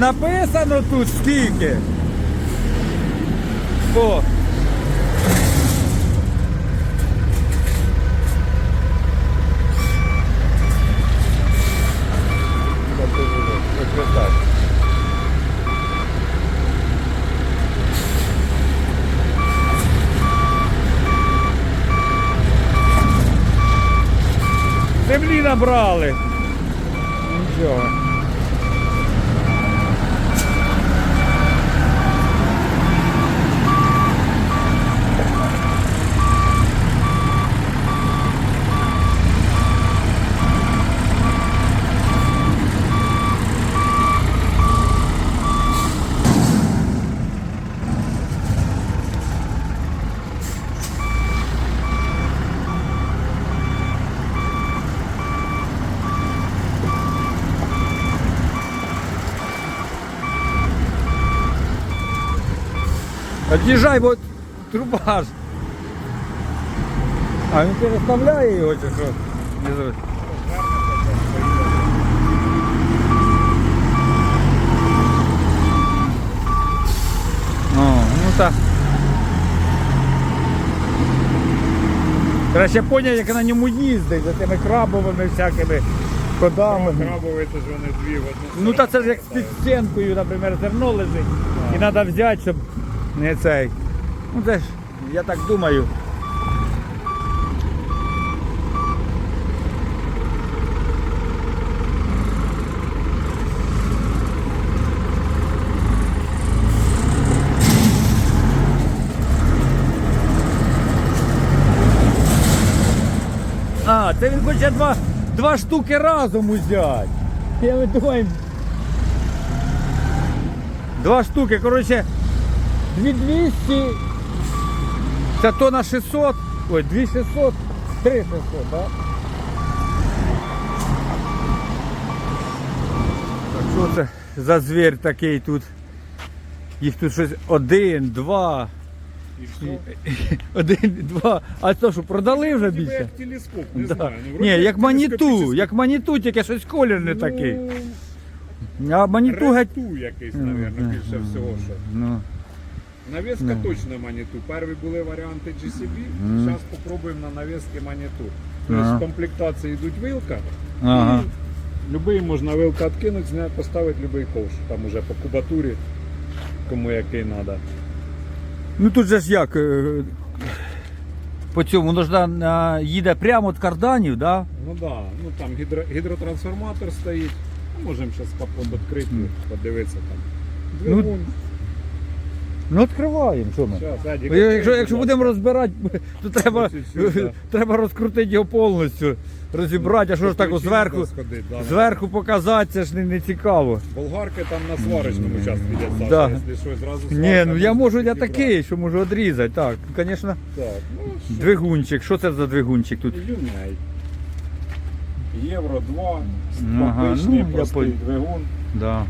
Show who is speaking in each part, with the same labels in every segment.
Speaker 1: написано тут скільки. О. Землі набрали. Нічого. От'їжджай, бо труба ж. А він переставляє його чи що? О, ну так. Краще поняти, як на ньому їздить, за тими крабовими всякими ходами.
Speaker 2: Крабові, то ж вони дві в одну.
Speaker 1: Ну та це ж як під стінкою, наприклад, зерно лежить. І треба взяти, щоб не цей. Ну це ж, я так думаю. А, це він хоче два штуки разом взяти. Я ми думаю. Два штуки, коротше, 2200, це тонна 600, ой, 2600, 3600, так? Так, що це за звір такий тут? Їх тут щось один, два. Один, два. А то що, продали вже більше?
Speaker 2: Як телескоп, не
Speaker 1: Да.
Speaker 2: знаю. Ну,
Speaker 1: Ні, як
Speaker 2: телескопічний.
Speaker 1: маніту, тільки щось колір не такий.
Speaker 2: Ну,
Speaker 1: А маніту геть.
Speaker 2: Ренту якийсь, мабуть, більше всього, що.
Speaker 1: Ну.
Speaker 2: Навіска точно Маніту. Перші були варіанти GCB, зараз спробуємо на навіски Маніту. Тобто
Speaker 1: Ага.
Speaker 2: в комплектації йдуть вилка,
Speaker 1: Ага.
Speaker 2: і любий можна вилка відкинути, зняти, поставити будь-який ковш. Там уже по кубатурі, кому який треба.
Speaker 1: Ну тут же ж як, по цьому, воно ж їде прямо від карданів, да?
Speaker 2: Ну так, да. Ну там гідротрансформатор стоїть. Можемо зараз капот відкрити, подивитися там.
Speaker 1: Ну,
Speaker 2: Двигун.
Speaker 1: Ну відкриваємо, що ми?
Speaker 2: Щас, Едік,
Speaker 1: Якщо
Speaker 2: відкрий,
Speaker 1: будемо розбирати, то треба,
Speaker 2: Чуть-чуть, да.
Speaker 1: треба розкрутити його повністю, розібрати, а що ж так
Speaker 2: Ключі
Speaker 1: зверху,
Speaker 2: треба сходити, да.
Speaker 1: зверху показати, це ж не цікаво.
Speaker 2: Болгарки там на сварочному частку йде, Саша,
Speaker 1: Да.
Speaker 2: якщо щось, зразу
Speaker 1: Ні,
Speaker 2: сварка,
Speaker 1: ну я
Speaker 2: можна
Speaker 1: можу, я
Speaker 2: підібрати.
Speaker 1: такий, що можу відрізати, так, звісно.
Speaker 2: Так, ну що,
Speaker 1: Двигунчик, що це за двигунчик тут?
Speaker 2: Юней. Євро 2,
Speaker 1: Ага,
Speaker 2: обичний
Speaker 1: ну, я
Speaker 2: простий
Speaker 1: понял.
Speaker 2: двигун.
Speaker 1: Да.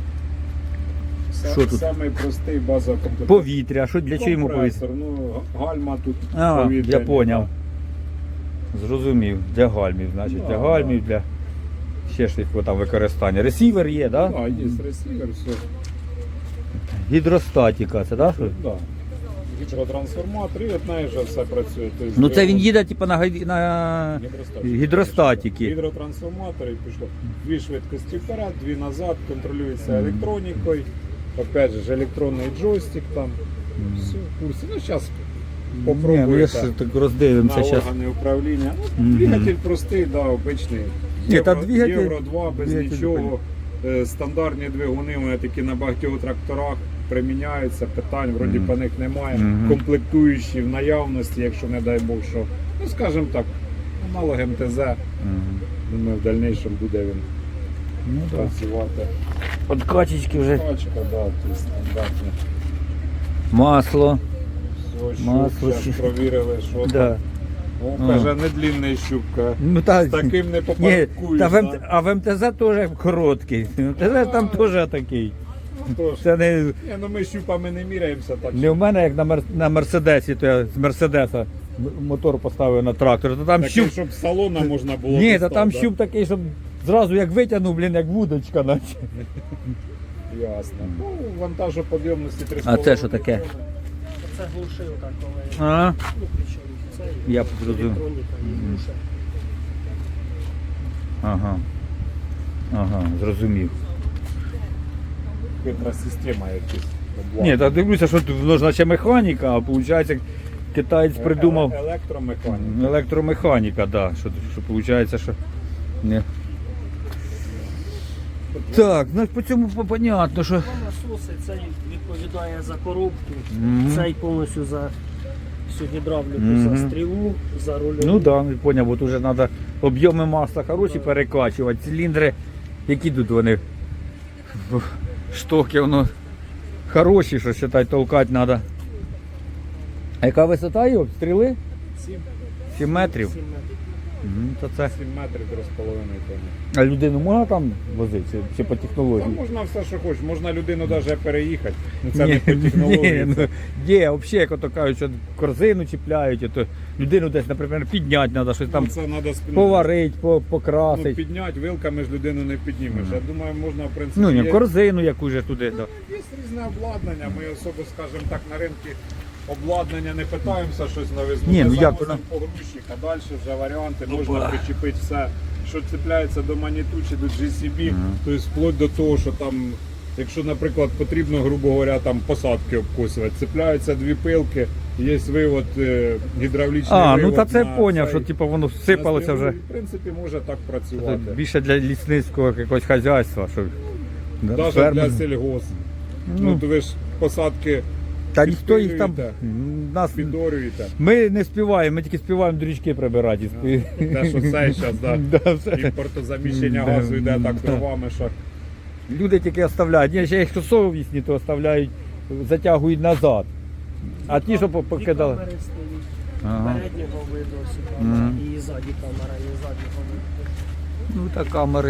Speaker 1: Що тут?
Speaker 2: Самий простий базовий комплект.
Speaker 1: Повітря, а що для чого йому повітря?
Speaker 2: Компресор, ну гальма тут
Speaker 1: А,
Speaker 2: повітряні,
Speaker 1: я поняв. Зрозумів, для гальмів, значить,
Speaker 2: Да,
Speaker 1: для гальмів, для ще ж якого там використання. Ресівер є,
Speaker 2: Так,
Speaker 1: так?
Speaker 2: да, є ресівер, все.
Speaker 1: Гідростатіка, це так?
Speaker 2: Да. Гідротрансформатор, і від неї вже все працює. Тобто
Speaker 1: Ну це він
Speaker 2: двигун,
Speaker 1: їде типу, на гідростатіки.
Speaker 2: Гідротрансформатор і пішло. Дві швидкості вперед, дві назад, контролюється електронікою. Опять же, електронний джойстик там. Все, в курсі. Ну, зараз
Speaker 1: Ні, ну я
Speaker 2: попробуйте
Speaker 1: ж так роздивимося
Speaker 2: на
Speaker 1: зараз.
Speaker 2: органи управління. Ну,
Speaker 1: Мгм.
Speaker 2: двигатель простий, да, обичний.
Speaker 1: Ні, та двигатель-
Speaker 2: Євро 2 без
Speaker 1: двигатель
Speaker 2: нічого. Стандартні двигуни вони такі на багатьох тракторах приміняються, питань вроді по них немає.
Speaker 1: Мгм.
Speaker 2: Комплектуючі в наявності, якщо не дай Бог, що, ну скажімо так, аналог МТЗ.
Speaker 1: Мгм.
Speaker 2: Думаю, в дальнейшем буде він
Speaker 1: Ну так.
Speaker 2: працювати.
Speaker 1: Подкачечки вже.
Speaker 2: Пачка, да, тут стандартне.
Speaker 1: Масло.
Speaker 2: Все,
Speaker 1: Масло
Speaker 2: щуп,
Speaker 1: ще.
Speaker 2: зараз провірили, що
Speaker 1: Да.
Speaker 2: там. О, каже, не длінний щупка.
Speaker 1: Ну, та,
Speaker 2: З таким не
Speaker 1: ні,
Speaker 2: попаркуєш.
Speaker 1: та
Speaker 2: да?
Speaker 1: а в МТЗ теж короткий. МТЗ там теж такий.
Speaker 2: Ну, тож.
Speaker 1: Це не,
Speaker 2: Ні, ну ми щупами не міряємося так.
Speaker 1: не в мене, як на Мерседесі, то я з Мерседеса мотор поставив на трактор. То там
Speaker 2: Такий,
Speaker 1: щуп.
Speaker 2: щоб з салона можна було.
Speaker 1: Ні, та
Speaker 2: достати,
Speaker 1: там
Speaker 2: да?
Speaker 1: щуп такий, щоб зразу як витягнув, блін, як вудочка, наче.
Speaker 2: Ясно. Ну, вантажоподйомності 3,5.
Speaker 1: А це що таке?
Speaker 3: Це глушилка, коли
Speaker 1: А?
Speaker 3: ну, причому це
Speaker 1: Я зрозумів.
Speaker 3: електроніка і глушилка.
Speaker 1: Ага. Ага, зрозумів.
Speaker 2: Хитра система якась.
Speaker 1: Ні, так дивлюся, що тут воно ж наче механіка, а виходить, китаєць придумав
Speaker 2: Електромеханіка.
Speaker 1: електромеханіка, да, що виходить, що не. Так, ну по цьому понятно, що.
Speaker 3: Насоси, цей відповідає за коробку,
Speaker 1: Мгм.
Speaker 3: цей повністю за всю гідравліку,
Speaker 1: Мгм.
Speaker 3: за стрілу, за рульову.
Speaker 1: Ну так, да, поняв, бо тут вже треба об'єми масла хороші перекачувати, циліндри, які тут вони штоки, воно хороші, що считай, толкати треба. А яка висота його? Стріли? 7 метрів.
Speaker 3: 7 метрів.
Speaker 1: То це.
Speaker 2: 7 метрів 3,5 тонни.
Speaker 1: А людину можна там возити чи по
Speaker 2: Та
Speaker 1: технології?
Speaker 2: можна все, що хочеш. Можна людину навіть переїхати. Ну, це не по технології.
Speaker 1: Ні,
Speaker 2: це-
Speaker 1: є, взагалі, як ото кажуть, що корзину чіпляють, то людину десь, наприклад, підняти треба, щось там
Speaker 2: це треба
Speaker 1: поварити,
Speaker 2: Ну,
Speaker 1: покрасити.
Speaker 2: підняти вилками ж людину не піднімеш. Я думаю, можна, в принципі,
Speaker 1: Ну, ні,
Speaker 2: є,
Speaker 1: корзину яку ж туди. Да.
Speaker 2: є різне обладнання. Ми особо, скажімо так, на ринку обладнання не питаємося щось новизну.
Speaker 1: Ні,
Speaker 2: Ми
Speaker 1: ну, як
Speaker 2: завозимо
Speaker 1: воно?
Speaker 2: погрузчик, а далі вже варіанти можна причепити все, що цепляється до маніту чи до GCB, тобто вплоть до того, що там, якщо, наприклад, потрібно, грубо говоря, там посадки обкосувати, цепляються дві пилки, є вивод гідравлічний
Speaker 1: А,
Speaker 2: вивод
Speaker 1: ну та це
Speaker 2: на
Speaker 1: поняв,
Speaker 2: цей-
Speaker 1: що типу воно
Speaker 2: на
Speaker 1: всипалося
Speaker 2: стрілу.
Speaker 1: вже.
Speaker 2: В принципі, може так
Speaker 1: Це
Speaker 2: працювати.
Speaker 1: більше для лісницького якогось хазяйства. Що, да,
Speaker 2: Навіть
Speaker 1: фермер.
Speaker 2: для сільгос. Ну, то ви ж посадки
Speaker 1: Та ніхто їх там.
Speaker 2: підпилюєте,
Speaker 1: Нас,
Speaker 2: підорюєте.
Speaker 1: ми не співаємо, ми тільки співаємо до річки прибирати.
Speaker 2: Те, що це зараз, да.
Speaker 1: Да, все.
Speaker 2: Імпортозаміщення
Speaker 1: Да,
Speaker 2: газу йде так
Speaker 1: да.
Speaker 2: дровами, що
Speaker 1: Люди тільки оставляють. Ні, ще якщо совісні, то оставляють, затягують назад. А ті, що
Speaker 3: Дві
Speaker 1: покидали.
Speaker 3: камери стоїть.
Speaker 1: Ага.
Speaker 3: Переднього виду ось
Speaker 1: Мгм.
Speaker 3: камера, і ззаді камера, і заднього виду.
Speaker 1: Ну та камери.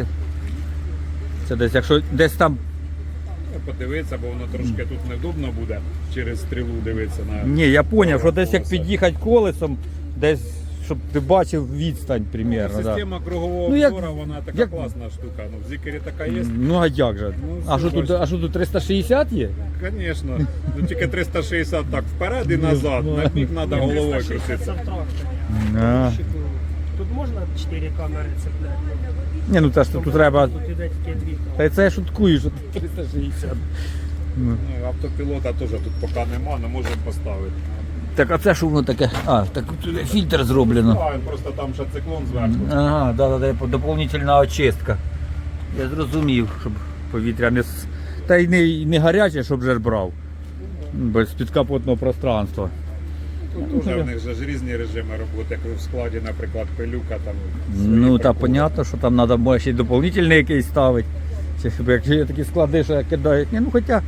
Speaker 1: Це десь, якщо десь там.
Speaker 2: подивитися, бо воно трошки тут невдобно буде через стрілу дивитися на.
Speaker 1: Ні, я зрозумів, що десь як
Speaker 2: колеса.
Speaker 1: під'їхати колесом, десь, щоб ти бачив відстань примерно. Да.
Speaker 2: Система кругового
Speaker 1: Ну, як-
Speaker 2: обзору, вона така
Speaker 1: як-
Speaker 2: класна штука. Ну, в Зікері така є.
Speaker 1: Ну а як же?
Speaker 2: Ну,
Speaker 1: А що тут,
Speaker 2: бачиш.
Speaker 1: а що тут 360 є?
Speaker 2: Звісно. Ну тільки 360 так вперед і назад. На бік треба головою
Speaker 3: 360 це
Speaker 2: крутитися.
Speaker 3: в тракторі.
Speaker 1: А.
Speaker 3: Тут можна 4 камери цепляти?
Speaker 1: Ні, ну та ж тут треба.
Speaker 3: Тут іде тільки 2
Speaker 1: Та
Speaker 3: камери.
Speaker 1: й це я шуткую, що тут 360. Ну.
Speaker 2: Ну, автопілота теж тут поки нема, але можемо поставити.
Speaker 1: Так а це що воно таке? А, так тут фільтр зроблено.
Speaker 2: А, він просто там ще циклон зверху.
Speaker 1: Ага, да, доповнительна очистка. Я зрозумів, щоб повітря не та й не гаряче, щоб же ж брав. Без підкапотного пространства.
Speaker 2: Тут вже в них же ж різні режими роботи, як в складі, наприклад, пилюка там. свої
Speaker 1: Ну та
Speaker 2: приколи.
Speaker 1: понятно, що там треба може ще й доповнительний якийсь ставити. Чи щоб якщо є такі склади, що кидають. Ні, ну хоча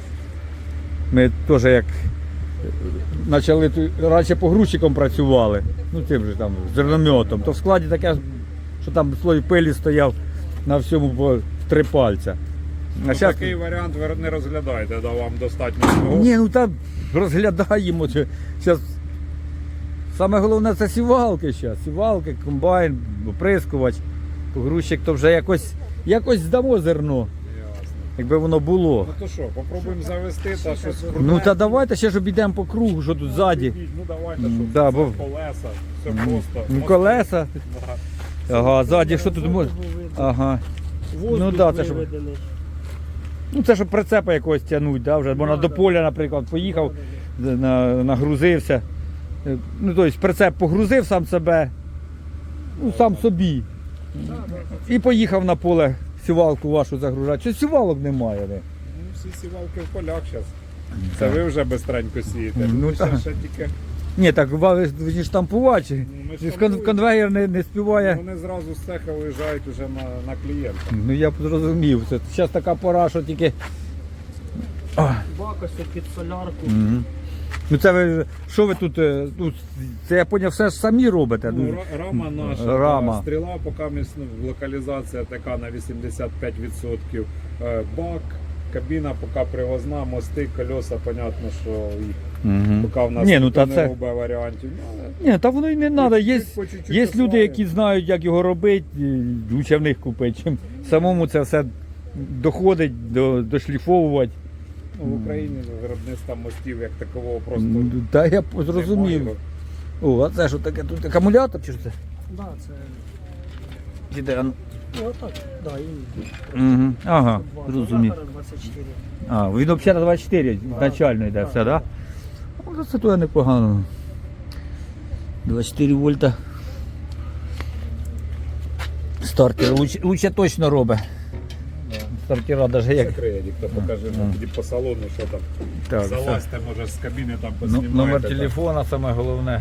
Speaker 1: ми теж як почали раніше погрузчиком працювали, ну тим же там зернометом, то в складі таке, що там слой пилі стояв на всьому по 3 пальця.
Speaker 2: Ну,
Speaker 1: щас-
Speaker 2: такий варіант ви не розглядаєте, да, вам достатньо свого.
Speaker 1: Ні, ну там розглядаємо. Зараз саме головне це сівалки зараз. Сівалки, комбайн, оприскувач, погрузчик, то вже якось здамо зерно,
Speaker 2: Ясно.
Speaker 1: якби воно було.
Speaker 2: Ну то що, попробуємо завести та щось крутне.
Speaker 1: Ну та давайте ще ж обійдемо по кругу, що тут ззаді.
Speaker 2: Ну давайте,
Speaker 1: М,
Speaker 2: щоб
Speaker 1: да,
Speaker 2: це
Speaker 1: бо-
Speaker 2: колеса, все просто.
Speaker 1: Ну,
Speaker 2: Мости.
Speaker 1: колеса.
Speaker 2: Да.
Speaker 1: Ага, ззаді що тут може? Ага.
Speaker 3: Воздух
Speaker 1: Ну да, це ж-
Speaker 3: виведений.
Speaker 1: Ну це щоб прицепа якогось тягнуть, да, вже можна до поля, наприклад, поїхав, нагрузився. Ну, тобто прицеп погрузив сам себе, ну сам собі. І поїхав на поле сівалку вашу загружати. Чи сівалок немає? Не?
Speaker 2: Ну, всі сівалки в полях зараз. Це ви вже безстренько сієте.
Speaker 1: Ну,
Speaker 2: Ну,
Speaker 1: так.
Speaker 2: ще тільки
Speaker 1: Ні, так ви ж штампувати.
Speaker 2: ми
Speaker 1: Чи
Speaker 2: штампуємо.
Speaker 1: конвейер не співає.
Speaker 2: вони зразу з цеха виїжджають уже на клієнта.
Speaker 1: Ну я б зрозумів. Це зараз така пора, що тільки.
Speaker 3: Бак ось під солярку.
Speaker 1: Мгм. Ну це ви, що ви тут, ну, це я поняв, все ж самі робите.
Speaker 2: Ну, рама наша,
Speaker 1: Рама.
Speaker 2: та стріла поки локалізація така на 85%. Бак, кабіна поки привозна, мости, колеса, понятно, що їх
Speaker 1: Мгм.
Speaker 2: поки в нас
Speaker 1: Ні, ну
Speaker 2: ніхто
Speaker 1: та
Speaker 2: не
Speaker 1: це.
Speaker 2: робить варіантів. Ну, але
Speaker 1: Ні, та воно й не треба. Є,
Speaker 2: по чуть-чуть
Speaker 1: є люди,
Speaker 2: осваюємо.
Speaker 1: які знають, як його робити, і лучше в них купити, чим самому це все доходить, дошліфовувати.
Speaker 2: Ну, в Україні виробництва мостів як такового просто
Speaker 1: Та я зрозумів.
Speaker 2: немає.
Speaker 1: О, а це що таке? Тут акумулятор чи що це?
Speaker 3: Да, це.
Speaker 1: Іде,
Speaker 3: Ну, отак. Да, і
Speaker 1: Угу. Ага,
Speaker 3: два
Speaker 1: зрозумів.
Speaker 3: акумулятора 24.
Speaker 1: А, він взагалі на 24 начально йде все, так? Да? Це то непогано. 24 вольта. Стартер лучше точно робить. Стартера навіть як.
Speaker 2: Закриє, ніхто покаже, ну, тоді по салону, що там.
Speaker 1: Так, все.
Speaker 2: Залазьте, може, з кабіни там
Speaker 1: Ну,
Speaker 2: познімаєте.
Speaker 1: номер
Speaker 2: там.
Speaker 1: телефона саме головне.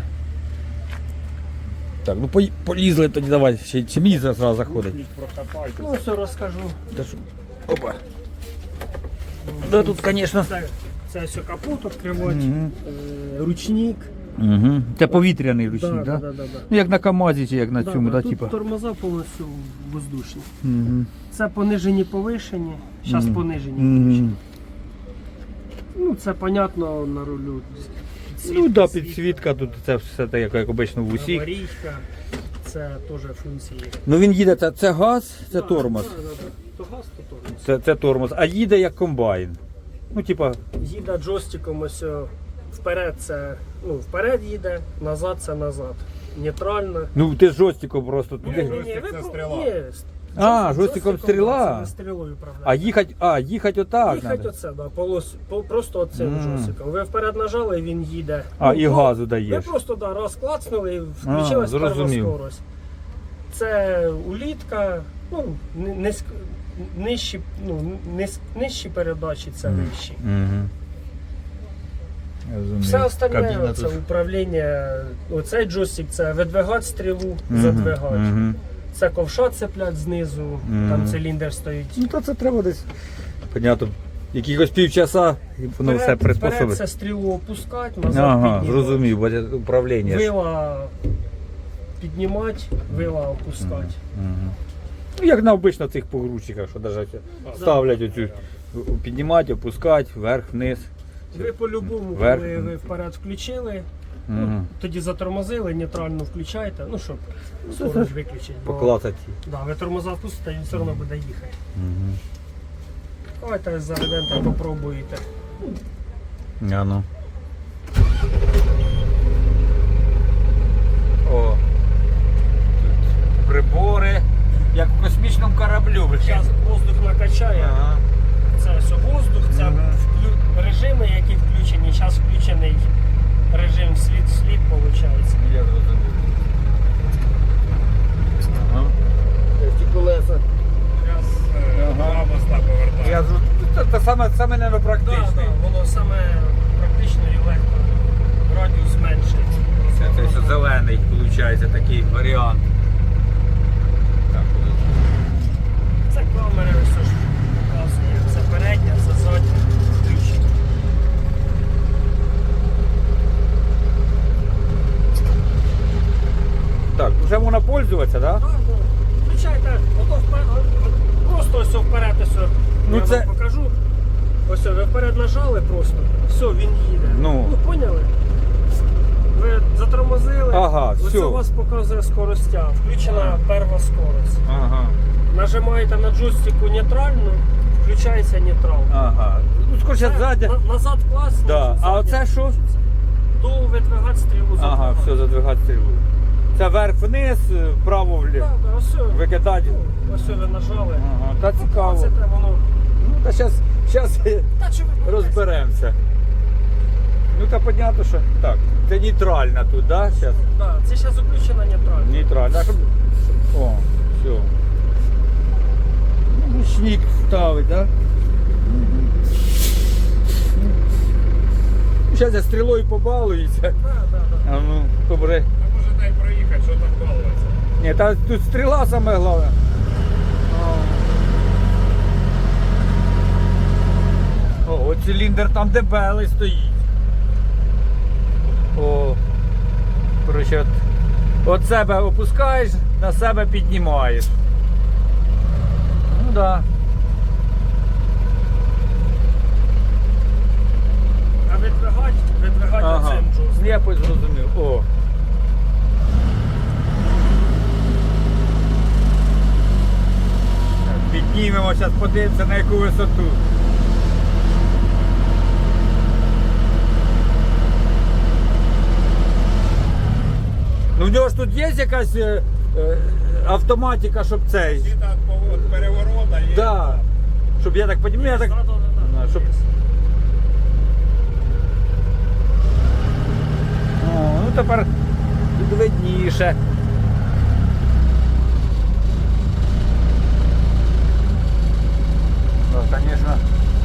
Speaker 1: Так, ну полізли тоді, давай, ще мій зараз заходить.
Speaker 2: Кухніть, прокопайте.
Speaker 3: Ну, все розкажу.
Speaker 1: Та що? Опа. Да тут, звісно.
Speaker 3: Це все капот відкривач,
Speaker 1: Мгм.
Speaker 3: ручник.
Speaker 1: Угу. Це повітряний ручник,
Speaker 3: Да,
Speaker 1: так?
Speaker 3: да, да, да.
Speaker 1: Ну як на КАМАЗі чи як на цьому, да,
Speaker 3: Тут
Speaker 1: типа.
Speaker 3: тормоза повністю воздушні.
Speaker 1: Угу.
Speaker 3: Це понижені повишені, зараз понижені.
Speaker 1: Угу.
Speaker 3: Ну, це понятно на рулю.
Speaker 1: Ну да, підсвітка тут, це все так, як обично в усіх.
Speaker 3: Аварійка, це теж функції.
Speaker 1: Ну він їде, це газ, це
Speaker 3: Да,
Speaker 1: тормоз.
Speaker 3: да, да, да. То газ, то тормоз.
Speaker 1: Це тормоз, а їде як комбайн. Ну, типа,
Speaker 3: Їде джойстиком ось вперед це, ну, вперед їде, назад це назад. Нейтрально.
Speaker 1: ну ти з жостиком просто
Speaker 2: Ні,
Speaker 1: туди.
Speaker 2: Джойстик це стріла.
Speaker 3: Ні,
Speaker 1: А, джойстиком стріла?
Speaker 3: Це не стрілою управляє.
Speaker 1: Їхать отак.
Speaker 3: Їхать
Speaker 1: надо.
Speaker 3: оце, да, просто оцим
Speaker 1: Мгм.
Speaker 3: джойстиком. Ви вперед нажали, він їде.
Speaker 1: А, і
Speaker 3: ну,
Speaker 1: газу
Speaker 3: Ви
Speaker 1: даєш.
Speaker 3: просто да, раз клацнули і включилась перша
Speaker 1: зрозумів.
Speaker 3: скорость. Це улітка, ну, нижчі, нижчі передачі, це вищі.
Speaker 1: Угу.
Speaker 3: Все остальне це управління. Оцей джойстик це видвигати стрілу, задвигати.
Speaker 1: Угу.
Speaker 3: Це ковша цеплять знизу, там циліндр стоїть.
Speaker 1: Ну то це треба десь. Понятно. Якихось півчаса і воно все
Speaker 3: Вперед
Speaker 1: приспособить.
Speaker 3: це стрілу опускати, назад
Speaker 1: Ага,
Speaker 3: піднімати.
Speaker 1: зрозумів, бо управління. ж.
Speaker 3: Вила піднімати, вила опускати.
Speaker 1: Мгм. Ну, як на обично цих погрузчиках, що навіть ставлять оцю, піднімати, опускати, вверх, вниз.
Speaker 3: Ви по-любому,
Speaker 1: Вверх.
Speaker 3: коли ви вперед включили,
Speaker 1: Мгм.
Speaker 3: тоді затормозили, нейтрально включаєте, ну щоб скорость виключити. Бо,
Speaker 1: Поклацати.
Speaker 3: да, ви тормоза впустите, він все одно буде їхати.
Speaker 1: Мгм.
Speaker 3: Давайте заведете, попробуєте.
Speaker 1: А ну. О. Тут прибори, як в космічному кораблю.
Speaker 3: Зараз воздух накачає,
Speaker 1: Ага.
Speaker 3: це все воздух, це режими, які включені. Зараз включений режим слід, виходить.
Speaker 1: Я зрозумів. Ага. Ті колеса.
Speaker 2: Зараз два моста повертаємо.
Speaker 1: Я саме не
Speaker 3: Так,
Speaker 1: практичний.
Speaker 3: так, воно саме практично і легко. Радіус зменшується.
Speaker 1: Це все зелений, виходить, такий варіант. Так,
Speaker 3: Це камери, все ж показує. Це передня, це задня, включення.
Speaker 1: так, вже можна пользуватися, так? Да?
Speaker 3: Так, так. Включайте, просто ось вперед, ось,
Speaker 1: Ну,
Speaker 3: я
Speaker 1: це-
Speaker 3: вам покажу. Ось ви вперед нажали просто, все, він їде.
Speaker 1: Ну.
Speaker 3: Поняли? Ви затормозили,
Speaker 1: Ага,
Speaker 3: ось
Speaker 1: всьо.
Speaker 3: у вас показує скоростя, включена перша скорость.
Speaker 1: Ага.
Speaker 3: Нажимаєте на джойстику нейтральну, включається нейтрал.
Speaker 1: Ага. Ну, скоріше ззаді.
Speaker 3: Назад клас.
Speaker 1: Да. А оце що?
Speaker 3: То видвигати стрілу за
Speaker 1: Ага, все, задвигати стрілу. Це вверх-вниз, вправо-вліво.
Speaker 3: Так, ось все.
Speaker 1: Викидати.
Speaker 3: Ось все ви нажали.
Speaker 1: Ага, та цікаво.
Speaker 3: Це те воно.
Speaker 1: Ну, та зараз
Speaker 3: Та чи ви
Speaker 1: розберемося. Ну, та понятно, що так. Це нейтральна тут, так? Да? Зараз.
Speaker 3: Да, це зараз включена нейтральна.
Speaker 1: Нейтральна. А щоб... О, все. Ну, ручник ставить, так? Да? Зараз я стрілою побалуюся.
Speaker 3: Да, да, да.
Speaker 1: А ну, добре.
Speaker 2: А може дай проїхати, що там балуватися?
Speaker 1: Ні, та тут стріла саме головне. О, от циліндр там дебелий стоїть. О, коротше, от себе опускаєш, на себе піднімаєш. Ну да.
Speaker 3: А видвигати
Speaker 1: Ага,
Speaker 3: оцим джойстиком.
Speaker 1: я зрозумів. О. Так, піднімемо зараз подивимося на яку висоту. Ну в нього ж тут є якась автоматика, щоб цей.
Speaker 2: Щита від переворота є.
Speaker 1: Да. Щоб я так розумію, я так. Щоб... О, ну тепер тут видніше. Ну, звісно.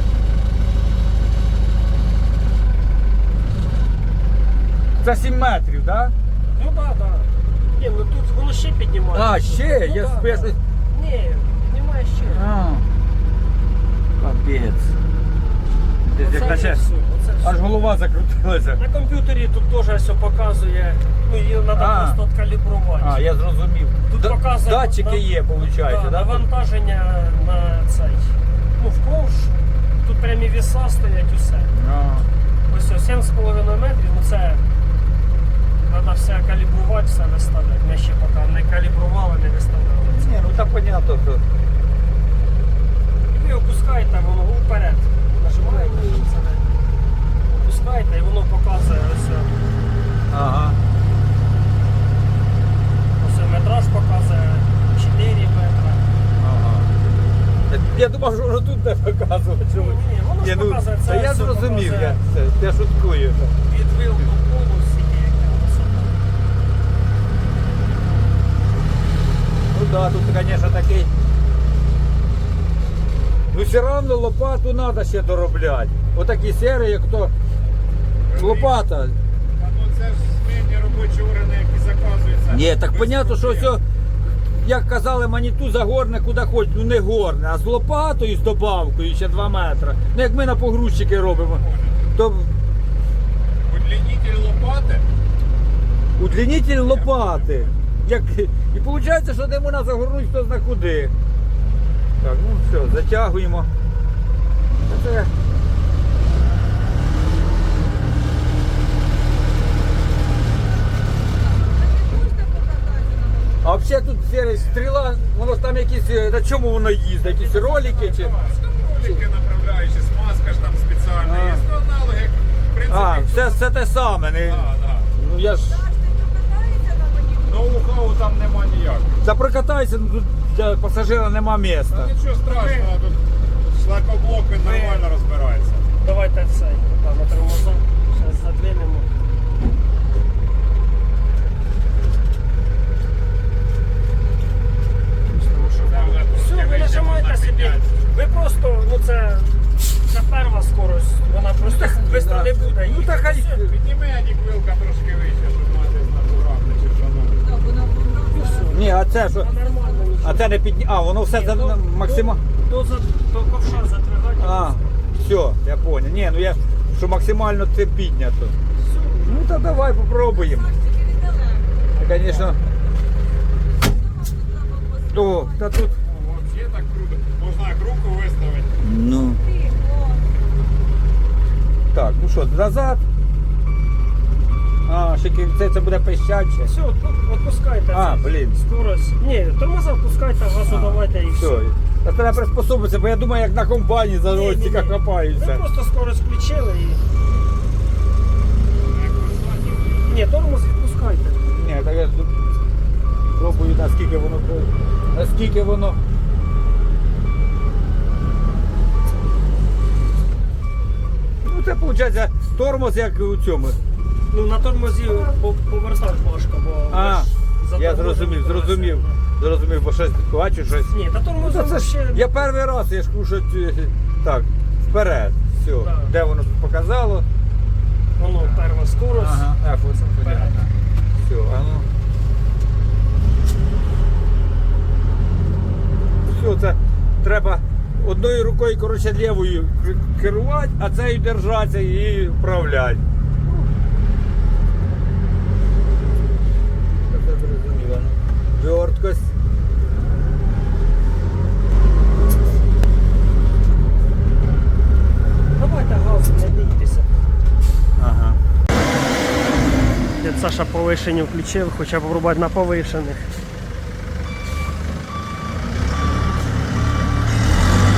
Speaker 1: Це 7 метрів, так? Да?
Speaker 3: Ну так, так. Ні, ну тут воно ще піднімає.
Speaker 1: А, ще?
Speaker 3: Ну,
Speaker 1: Я
Speaker 3: да,
Speaker 1: спешу.
Speaker 3: да. Ні, піднімає ще.
Speaker 1: А. Капець. Десь як
Speaker 3: Оце
Speaker 1: наче
Speaker 3: все, оце все.
Speaker 1: аж голова закрутилася.
Speaker 3: На комп'ютері тут теж все показує, ну її треба
Speaker 1: А.
Speaker 3: просто откалібрувати.
Speaker 1: А, я зрозумів.
Speaker 3: Тут показує
Speaker 1: Датчики є, виходить,
Speaker 3: да,
Speaker 1: да?
Speaker 3: навантаження на цей. Ну, вковш, тут прямі віса стоять усе.
Speaker 1: А.
Speaker 3: Ось 7,5 метрів, ну це треба все калібрувати, все виставляти. Ми ще поки не калібрували, не виставляли це.
Speaker 1: Ні, ну так понятно, що.
Speaker 3: І ви опускаєте, воно вперед. Нажимаєте, щоб це не опускаєте і воно показує ось.
Speaker 1: Ага.
Speaker 3: Ось метраж показує 4 метри.
Speaker 1: Ага. Я думав, що воно тут не показувати. Що...
Speaker 3: Ні, воно ж
Speaker 1: Ні, ну,
Speaker 3: показує, це
Speaker 1: та я
Speaker 3: все
Speaker 1: зрозумів,
Speaker 3: показує.
Speaker 1: я шуткую.
Speaker 3: Від вил до полу всі яка висота.
Speaker 1: Ну да, тут, звісно, такий. Ну все одно лопату треба ще доробляти. Отакі серії, як то лопата.
Speaker 2: А ну це ж змінні робочі органи, які заказуються.
Speaker 1: Ні, так
Speaker 2: без
Speaker 1: понятно, що
Speaker 2: проблем.
Speaker 1: все, як казали, маніту загорне куди хоч, ну не горне, а з лопатою, з добавкою ще 2 метри. Ну як ми на погрузчики робимо, то
Speaker 2: Удлінитель лопати.
Speaker 1: удлінитель лопати. Як... І виходить, що де можна загорнути, хто зна куди. Так, ну все, затягуємо. Це... А взагалі тут серія стріла, воно ж там якісь, на чому воно їздить, якісь ролики чи.
Speaker 2: Ролики направляючі, смазка ж там спеціальна є. Ну, аналоги, в принципі.
Speaker 1: А, все те саме. Не...
Speaker 2: Да, да.
Speaker 1: Ну я ж.
Speaker 2: Ноу-хау там нема ніякого.
Speaker 1: Та прокатайся, ну тут для пасажира нема місця.
Speaker 2: Та нічого страшного, тут шлакоблок він нормально розбирається.
Speaker 3: Давайте цей, там на тормоза. Зараз задвинемо. Все, ви нажимаєте собі. Ви просто, ну це перша скорость, вона просто швидко не буде.
Speaker 1: Ну так хай.
Speaker 3: Все.
Speaker 2: Підніми Адік вилка трошки вище, щоб мати натуральне чи шановне.
Speaker 1: Ні, а це що?
Speaker 3: Та нормально нічого.
Speaker 1: А це не підні. А, воно все за максимально.
Speaker 3: До ковша затригати.
Speaker 1: А, все, я понял. Ні, ну я що максимально це піднято. Ну то давай попробуємо. Звісно. О, та тут.
Speaker 2: Взагалі так круто. Можна як руку виставити.
Speaker 1: Ну. Так, ну що, назад. А, ще це буде пищаче.
Speaker 3: Все, відпускайте.
Speaker 1: А, блін.
Speaker 3: Скорость. Ні, тормоза впускайте, газу давайте і все.
Speaker 1: Все. Та треба приспособитися, бо я думаю, як на комбайні за
Speaker 3: Ні,
Speaker 1: ростика
Speaker 3: ні, ні.
Speaker 1: хапаються.
Speaker 3: Ви просто скорость включили і. Ні, тормоз відпускайте.
Speaker 1: Ні, так я пробую, наскільки воно. Ну це виходить тормоз як у цьому.
Speaker 3: Ну на тормозі повертати важко, бо
Speaker 1: А,
Speaker 3: ви ж за
Speaker 1: я
Speaker 3: тормозом
Speaker 1: зрозумів,
Speaker 3: колеса.
Speaker 1: зрозумів, бо щось бачу щось.
Speaker 3: Ні, та
Speaker 1: Ну,
Speaker 3: тормозом
Speaker 1: це ж,
Speaker 3: ще.
Speaker 1: я перший раз, я ж кажу, що так, вперед. Все.
Speaker 3: Да.
Speaker 1: Де воно тут показало?
Speaker 3: Воно перша скорость.
Speaker 1: Ага, ось понятно. Все, а ну. Все, це треба одною рукою, коротше, лівою керувати, а цією держатися і вправляти. Це зрозуміло. Верткость.
Speaker 3: Давайте газу, не бійтеся.
Speaker 1: Ага.
Speaker 3: Дід Саша повишені включив, хоча б врубати на повишених.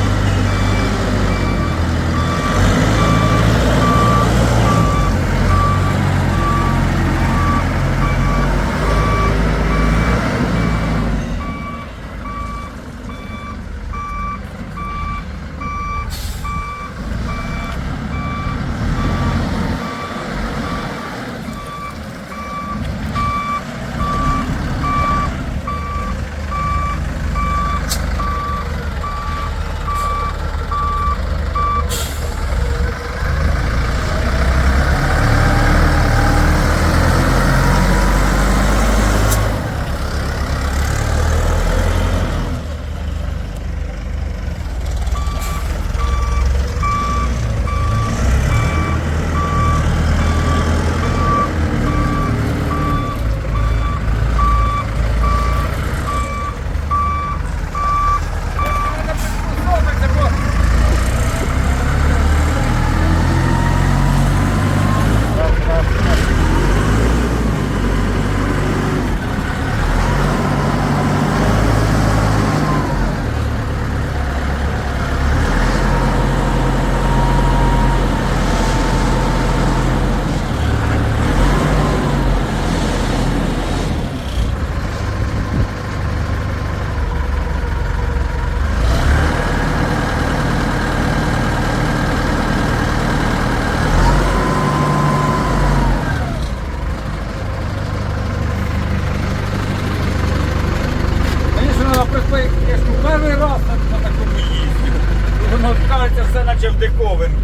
Speaker 1: новинку.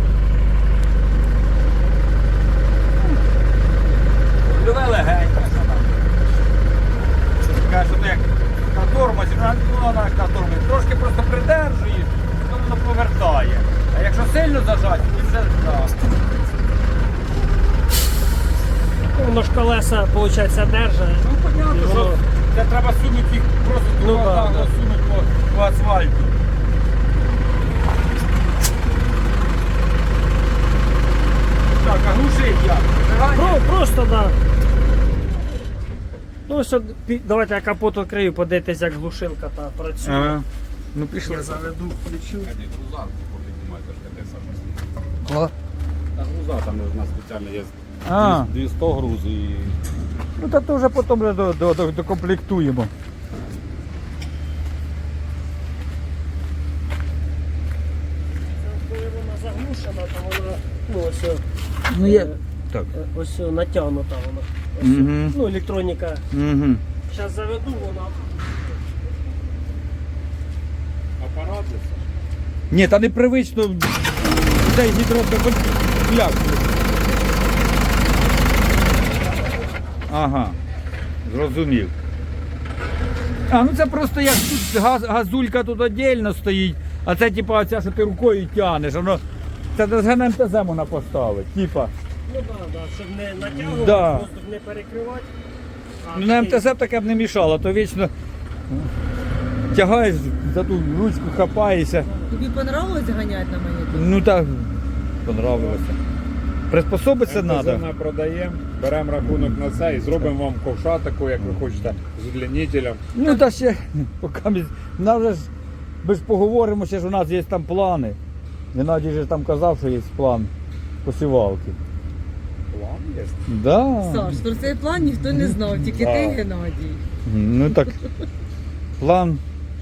Speaker 1: Рульове легеньке, що там. Каже, що як на тормозі, ну вона як на тормозі, трошки просто придержуєш, то воно повертає. А якщо сильно зажати, то вже так.
Speaker 3: Воно ж колеса, виходить, держать.
Speaker 1: Ну, понятно,
Speaker 3: І
Speaker 1: що
Speaker 3: воно-
Speaker 1: це треба сунути їх просто
Speaker 3: Ну,
Speaker 1: туди,
Speaker 3: да, да.
Speaker 1: сунути по асфальту. Так, а глушить як? Зажигання?
Speaker 3: Просто, да. Ну, що, давайте я капот відкрию, подивитись, як глушилка та працює.
Speaker 1: Ага. Ну пішли.
Speaker 3: Я заведу, включу.
Speaker 2: Груза піднімаєте, ж таке саме. Та груза там у нас спеціально є
Speaker 1: А.
Speaker 2: 200 груз і
Speaker 1: Ну та то вже потім вже докомплектуємо.
Speaker 3: Коли вона заглушена, то вона, ну, ось,
Speaker 1: Ну
Speaker 3: е,
Speaker 1: є. Так.
Speaker 3: ось натягнута вона. Ось,
Speaker 1: Мгм.
Speaker 3: ну, електроніка.
Speaker 1: Угу.
Speaker 3: Зараз заведу, вона.
Speaker 2: апарат.
Speaker 1: Ні, та непривично цей гідроскоп. Як? Ага. Зрозумів. А, ну це просто як тут газулька тут віддільно стоїть, а це типа оця, що ти рукою тягнеш, воно. Це з ГНМТЗ можна поставити. Типа.
Speaker 3: Ну так, да, щоб не натягувати,
Speaker 1: Да.
Speaker 3: воздух не перекривати. А
Speaker 1: Ну, на МТЗ б таке б не мішало, то вічно тягаєш за ту ручку, хапаєшся.
Speaker 4: Тобі понравилось ганяти на монітор?
Speaker 1: Ну так, понравилося. Приспособитися
Speaker 2: МТЗ
Speaker 1: треба.
Speaker 2: ми продаємо, беремо рахунок на це і зробимо вам ковша таку, як ви хочете, з удлінителем.
Speaker 1: Ну та ще, поки ми ж поговоримо, ще ж у нас є там плани. Геннадій же там казав, що є план посівалки.
Speaker 2: План є.
Speaker 1: Да.
Speaker 4: Саш, про цей план ніхто не знав, тільки ти,
Speaker 2: Да.
Speaker 4: Геннадій.
Speaker 1: Ну так, план,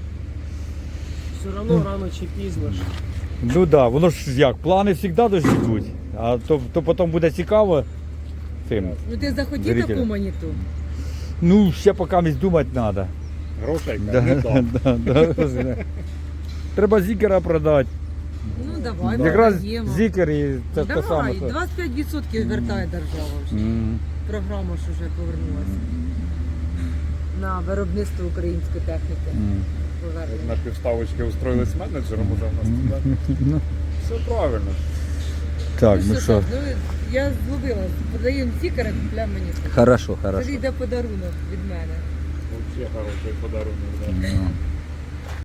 Speaker 3: все одно рано чи пізно ж.
Speaker 1: ну так, да, воно ж як, плани завжди дождь йдуть, а то потім буде цікаво цим.
Speaker 4: Ну ти захотів
Speaker 1: Зрителя.
Speaker 4: таку моніту?
Speaker 1: Ну, ще поки думати треба.
Speaker 2: Грошей
Speaker 1: Да,
Speaker 2: не дав.
Speaker 1: да. Треба зікера продати.
Speaker 4: Ну давай,
Speaker 1: Якраз
Speaker 4: продаємо.
Speaker 1: зікер і це те саме.
Speaker 4: Давай, 25% вертає держава вже.
Speaker 1: Мгм.
Speaker 4: Програма ж вже повернулася. На виробництво української техніки.
Speaker 1: Мгм.
Speaker 4: Повернення.
Speaker 2: На півставочки устроїлись менеджером уже в нас туди. Все правильно.
Speaker 1: Так, ну
Speaker 4: що,
Speaker 1: що.
Speaker 4: так, ну, я зловила, подаємо стікери, купляємо монітор.
Speaker 1: Хорошо,
Speaker 4: Тобі
Speaker 1: хорошо.
Speaker 4: йде подарунок від мене.
Speaker 2: Взагалі хороший подарунок. Да.
Speaker 1: Ну.